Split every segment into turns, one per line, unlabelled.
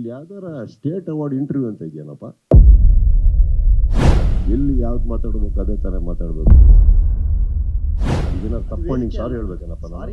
ಇಲ್ಲಿ ಯಾವ್ದಾರ state award interview ಅಂತ ಇದೆಯೇನಪ್ಪ? ಎಲ್ಲಿ ಯಾವ್ದು ಮಾತಾಡ್ಬೇಕು ಅದೇ ತರ ಮಾತಾಡ್ಬೇಕು. ಇದನ್ನ ತಪ್ಪ ನಿಂಗೆ ಸಾರಿ ಹೇಳ್ಬೇಕೇನಪ್ಪ ನಾನು?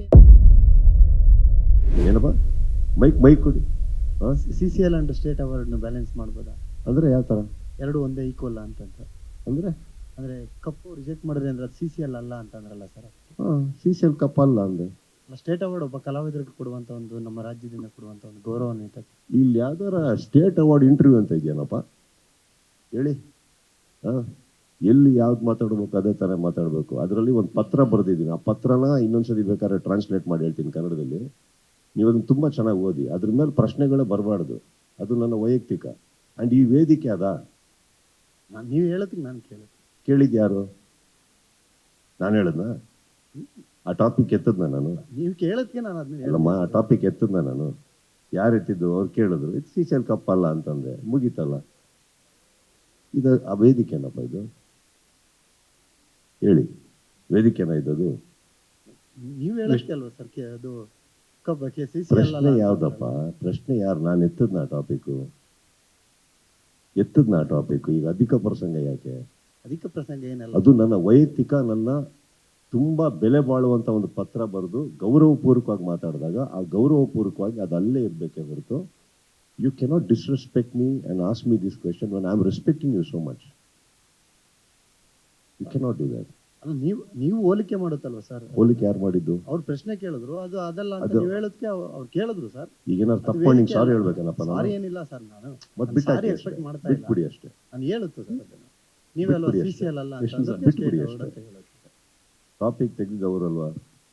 ಏನಪ್ಪ ಮೈಕ್ ಕೊಡಿ.
CCL and state award balance ಮಾಡ್ಬೋದಾ?
ಅಂದ್ರೆ ಯಾವ ತರ?
ಎರಡು ಒಂದೇ ಈಕ್ವಲ್ ಅಂತಂತ
ಅಂದ್ರೆ
ಅಂದ್ರೆ ಕಪ್ಪು ರಿಜೆಕ್ಟ್ ಮಾಡಿದ್ರೆ ಅಂದ್ರೆ ಅದು CCL ಅಲ್ಲ ಅಂತಂದ್ರಲ್ಲ ಸರ್.
CCL ಕಪ್ ಅಲ್ಲ ಅಂದ್ರೆ
ಸ್ಟೇಟ್ ಅವಾರ್ಡ್ ಒಬ್ಬ ಕಲಾವಿದರಿಗೆ ಕೊಡುವಂತ ಒಂದು ನಮ್ಮ ರಾಜ್ಯದಿಂದ ಕೊಡುವಂತ ಒಂದು ಗೌರವಾನ್ವಿತ.
ಇಲ್ಲಿ ಯಾವ್ದಾರ ಸ್ಟೇಟ್ ಅವಾರ್ಡ್ ಇಂಟರ್ವ್ಯೂ ಅಂತ ಇದೆಯೇನಪ್ಪ? ಹೇಳಿ. ಎಲ್ಲಿ ಯಾವ್ದು ಮಾತಾಡ್ಬೇಕು ಅದೇ ತರ ಮಾತಾಡ್ಬೇಕು. ಅದರಲ್ಲಿ ಒಂದು ಪತ್ರ ಬರೆದಿದ್ದೀನಿ. ಆ ಪತ್ರನ ಇನ್ನೊಂದ್ಸರಿ ಬೇಕಾದ್ರೆ ಟ್ರಾನ್ಸ್ಲೇಟ್ ಮಾಡಿ ಹೇಳ್ತೀನಿ ಕನ್ನಡದಲ್ಲಿ. ನೀವು ಅದನ್ನ ತುಂಬಾ ಚೆನ್ನಾಗಿ ಓದಿ. ಅದ್ರ ಮೇಲೆ ಪ್ರಶ್ನೆಗಳೇ ಬರಬಾರ್ದು. ಅದು ನನ್ನ ವೈಯಕ್ತಿಕ. ಅಂಡ್ ಈ ವೇದಿಕೆ ಅದ.
ನೀವು ಹೇಳೋದಕ್ಕೆ ನಾನು
ಕೇಳಿದ್ ಯಾರು? ನಾನು ಹೇಳದ್ನ? ಆ ಟಾಪಿಕ್ ಎತ್ತದ್ನ ನಾನು?
ನೀವು ಕೇಳೋದಕ್ಕೆ ನಾನು ಅದನ್ನ
ಅಲ್ಲಮ್ಮ, ಆ ಟಾಪಿಕ್ ಎತ್ತದ್ನ ನಾನು? ಯಾರು ಎತ್ತಿದ್ದು? ಅವ್ರು ಕೇಳಿದ್ರು ಇದು CCL ಕಪ್ ಅಲ್ಲ ಅಂತಂದೆ, ಮುಗೀತಲ್ಲ. ಇದು ಆ ವೇದಿಕೆನಪ್ಪ ಇದು? ಹೇಳಿ, ವೇದಿಕೆನ ಇದ್ದದು?
ನೀವು ಹೇಳೋದಕ್ಕೆ ಅಲ್ವಾ ಸರ್ ಅದು
ಪ್ರಶ್ನೆ ಯಾವ್ದಪ್ಪ? ಪ್ರಶ್ನೆ ಯಾರು? ನಾನು ಎತ್ತದ್ನ ಟಾಪಿಕ್? ಈಗ ಅಧಿಕ ಪ್ರಸಂಗ ಯಾಕೆ?
ಅಧಿಕ ಪ್ರಸಂಗ ಏನಲ್ಲ. ಅದು
ನನ್ನ ವೈಯಕ್ತಿಕ, ನನ್ನ ತುಂಬಾ ಬೆಲೆ ಬಾಳುವಂತ ಒಂದು ಪತ್ರ ಬರೆದು ಗೌರವಪೂರ್ವಕವಾಗಿ ಮಾತಾಡಿದಾಗ ಆ ಗೌರವಪೂರ್ವಕವಾಗಿ ಅದು ಅಲ್ಲೇ ಇರ್ಬೇಕೇ ಹೊರತು you cannot disrespect me and ask me this question when I am respecting you so much. You cannot do that.
ನೀವು ಹೋಲಿಕೆ ಮಾಡುತ್ತಲ್ವಾ ಸರ್?
ಹೋಲಿಕೆ ಯಾರು ಮಾಡಿದ್ದು?
ಅವ್ರು ಪ್ರಶ್ನೆ ಕೇಳಿದ್ರು, ಅದು ಅದಲ್ಲ ಅಂತ ನೀವು ಹೇಳೋದಕ್ಕೆ ಅವ್ರು ಕೇಳಿದ್ರು ಸರ್.
ಈಗ ಏನಾದ್ರು ತಪ್ಪ ನಿಂಗೆ ಸಾರಿ ಹೇಳ್ಬೇಕೇನಪ್ಪ ನಾನು?
ಸಾರಿ ಏನಿಲ್ಲ ಸರ್, ನಾನು
ಮತ್ತೆ
ಸಾರಿ ಎಕ್ಸ್ಪೆಕ್ಟ್ ಮಾಡ್ತಾ ಇಲ್ಲ.
ಬಿಟ್ಬಿಡಿ ಅಷ್ಟೇ.
ನಾನು ಹೇಳುತ್ತೆ ಸರ್ ಅದನ್ನ. ನೀವೆಲ್ಲ CCL ಅಲ್ಲ ಅಂತ
ಬಿಟ್ಬಿಡಿ ಅಷ್ಟೇ. ಟಾಪಿಕ್ ತೆಗೆದಿದ್ದವರಲ್ವಾ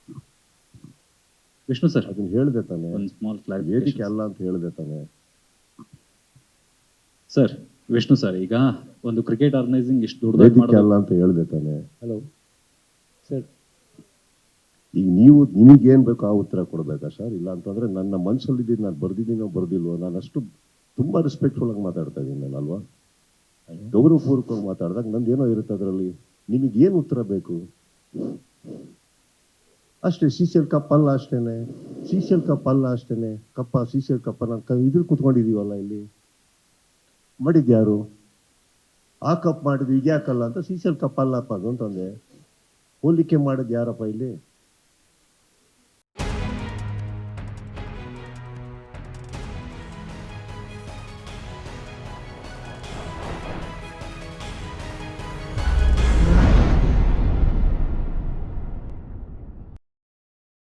ವಿಷ್ಣು ಸರ್?
ಅದನ್ನ ಹೇಳ್ದೆ ತಾನೆ. ವೇದಿಕೆ ಅಲ್ಲ ಅಂತ ಹೇಳ್ದೆ ತಾನೆ
ಸರ್? ವಿಷ್ಣು ಸರ್, ಈಗ ಒಂದು ಕ್ರಿಕೆಟ್ ಆರ್ಗನೈಸಿಂಗ್ ಇಷ್ಟು
ವೇದಿಕೆ ಅಲ್ಲ ಅಂತ ಹೇಳ್ದೆ ತಾನೆ.
ಹಲೋ ಸರ್,
ಈಗ ನೀವು ನಿಮಗೇನ್ ಬೇಕೋ ಆ ಉತ್ತರ ಕೊಡ್ಬೇಕಾ ಸರ್? ಇಲ್ಲ ಅಂತಂದ್ರೆ ನನ್ನ ಮನ್ಸಲ್ಲಿದ್ದು ನಾನು ಬರ್ದಿದ್ದೀನೋ ಬರ್ದಿಲ್ವೋ, ನಾನು ಅಷ್ಟು ತುಂಬಾ ರೆಸ್ಪೆಕ್ಟ್ಫುಲ್ ಆಗಿ ಮಾತಾಡ್ತಾ ಇದ್ದೀನಿ ನಾನು, ಅಲ್ವಾ? ಗೌರವಪೂರ್ವಕವಾಗಿ ಮಾತಾಡಿದಾಗ ನಂದೇನೋ ಇರುತ್ತೆ ಅದರಲ್ಲಿ. ನಿಮಗೇನು ಉತ್ತರ ಬೇಕು ಅಷ್ಟೇ. CCL ಕಪ್ ಅಲ್ಲ ಅಷ್ಟೇನೆ. CCL ಕಪ್ ಅಲ್ಲ ಅಷ್ಟೇನೆ. CCL ಕಪ್ಪ ನಾನು ಇದ್ರ ಕುತ್ಕೊಂಡಿದೀವಲ್ಲ ಇಲ್ಲಿ. ಮಾಡಿದ್ಯಾರು? ಆ ಕಪ್ ಮಾಡಿದ್ವಿ, ಈಗ ಯಾಕಲ್ಲ ಅಂತ CCL ಕಪ್ ಅಲ್ಲಪ್ಪ ಅದು ಅಂತಂದೆ. ಹೋಲಿಕೆ ಮಾಡಿದ್ ಯಾರಪ್ಪ ಇಲ್ಲಿ?